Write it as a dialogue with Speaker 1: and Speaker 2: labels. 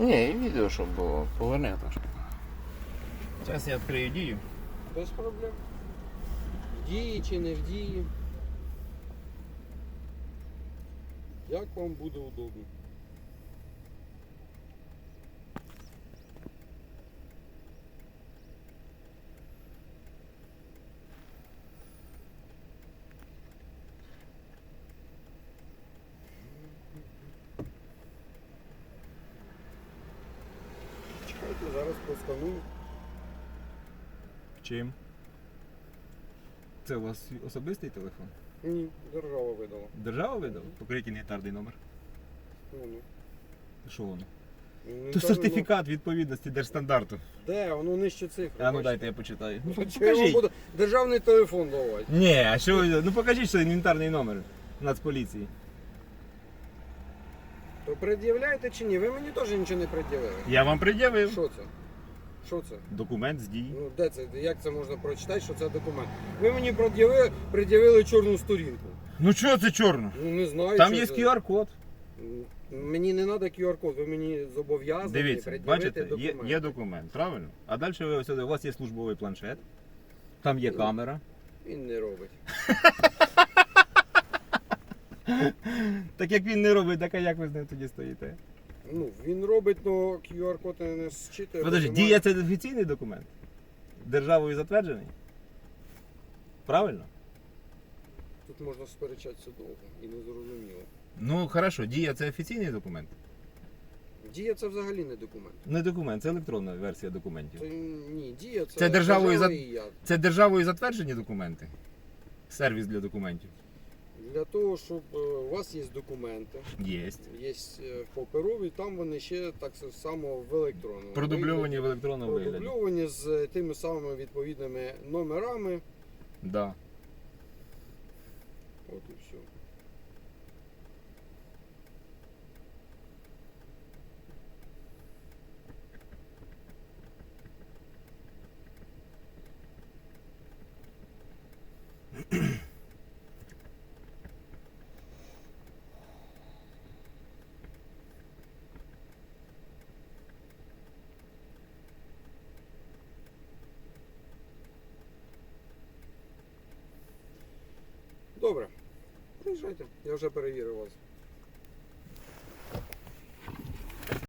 Speaker 1: Ні, і відео, щоб було. Поверни трошки. Зараз я відкрию дію.
Speaker 2: Без проблем. В дії чи не в дії. Як вам буде удобно. Чекайте, зараз просканую.
Speaker 3: Чим? Це у вас особистий телефон?
Speaker 2: Ні, держава видала.
Speaker 3: Держава видала? Покажіть інвентарний номер.
Speaker 2: Воно.
Speaker 3: Що воно?
Speaker 2: Ну,
Speaker 3: То
Speaker 2: кажу,
Speaker 3: сертифікат відповідності держстандарту.
Speaker 2: Де? Воно нижче цифри.
Speaker 3: А ну
Speaker 2: бачите?
Speaker 3: дайте я почитаю. Ну,
Speaker 2: Чого я вам
Speaker 3: покажіть.
Speaker 2: буду державний телефон давати?
Speaker 3: Ні, а що ви? Ну покажіть, що інвентарний номер Нацполіції.
Speaker 2: То пред'являєте чи ні? Ви мені теж нічого не пред'явили.
Speaker 3: Я вам пред'явив.
Speaker 2: Що це? Що це?
Speaker 3: Документ з дії.
Speaker 2: Ну де це? Як це можна прочитати, що це документ? Ви мені пред'явили чорну сторінку.
Speaker 3: Ну чого це чорно?
Speaker 2: Ну не знаю.
Speaker 3: Там
Speaker 2: що
Speaker 3: є
Speaker 2: це.
Speaker 3: QR-код.
Speaker 2: Мені не треба QR-код, ви мені зобов'язані
Speaker 3: Дивіться,
Speaker 2: пред'явити
Speaker 3: бачите,
Speaker 2: документ.
Speaker 3: є документ, правильно? А далі у вас є службовий планшет, там є камера.
Speaker 2: Він не робить.
Speaker 3: Так як він не робить, так а як ви з ним тоді стоїте?
Speaker 2: Ну, він робить, але QR-код не зчитує.
Speaker 3: Подожди,
Speaker 2: бо
Speaker 3: дія це офіційний документ? Державою затверджений? Правильно?
Speaker 2: Тут можна сперечатися довго і не зрозуміло.
Speaker 3: Ну хорошо, дія це офіційний документ?
Speaker 2: Дія це взагалі не документ.
Speaker 3: Не документ, це електронна версія документів.
Speaker 2: Це, ні, дія це,
Speaker 3: Це державою
Speaker 2: держава і я.
Speaker 3: Це державою затверджені документи? Сервіс для документів?
Speaker 2: Для того, щоб у вас є документи,
Speaker 3: Єсть.
Speaker 2: є паперові, там вони ще так само в електронному.
Speaker 3: Продубльовані в електронному вигляді.
Speaker 2: Продубльовані з тими самими відповідними номерами.
Speaker 3: Да.
Speaker 2: От і все. Добре. Приїжджайте, я вже перевірив вас.